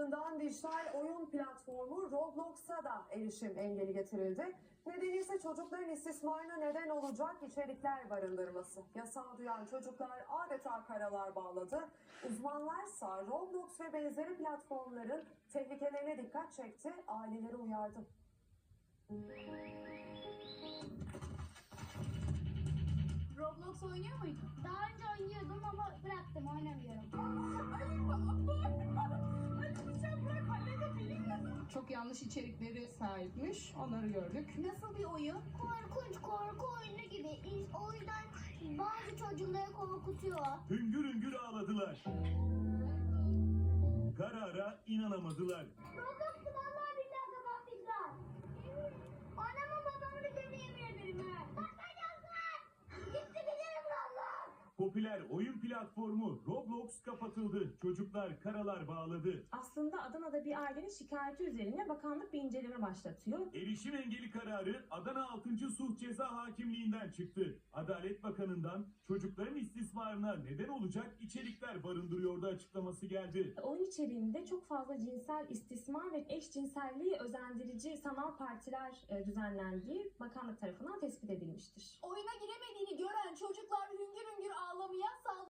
ardından dijital oyun platformu Roblox'a da erişim engeli getirildi. Nedeni ise çocukların istismarına neden olacak içerikler barındırması. Yasağı duyan çocuklar adeta karalar bağladı. Uzmanlarsa Roblox ve benzeri platformların tehlikelerine dikkat çekti, aileleri uyardı. Roblox oynuyor muydun? Daha önce oynuyordum ama bıraktım, oynamıyorum. Çok yanlış içerikleri sahipmiş. Onları gördük. Nasıl bir oyun? Korkunç, korku oyunu gibi. O yüzden bazı çocukları korkutuyor. Hüngür hüngür ağladılar. Karara inanamadılar. Roblox'u vallahi billahi kapatmışlar. Anamın babamın üzerine yemin ederim ha. Bakacaklar. Gitti gidelim Roblox. Popüler oyun platformu Roblox kapatıldı. Çocuklar karalar bağladı. Aslında Adana'da bir ailenin şikayeti üzerine bakanlık bir inceleme başlatıyor. Erişim engeli kararı Adana 6. Sulh Ceza Hakimliği'nden çıktı. Adalet Bakanı'ndan çocukların istismarına neden olacak içerikler barındırıyordu açıklaması geldi. Oyun içeriğinde çok fazla cinsel istismar ve eşcinselliği özendirici sanal partiler düzenlendiği bakanlık tarafından tespit edilmiştir. Oyuna giremediğini gören çocuklar hüngür hüngür ağlamaya,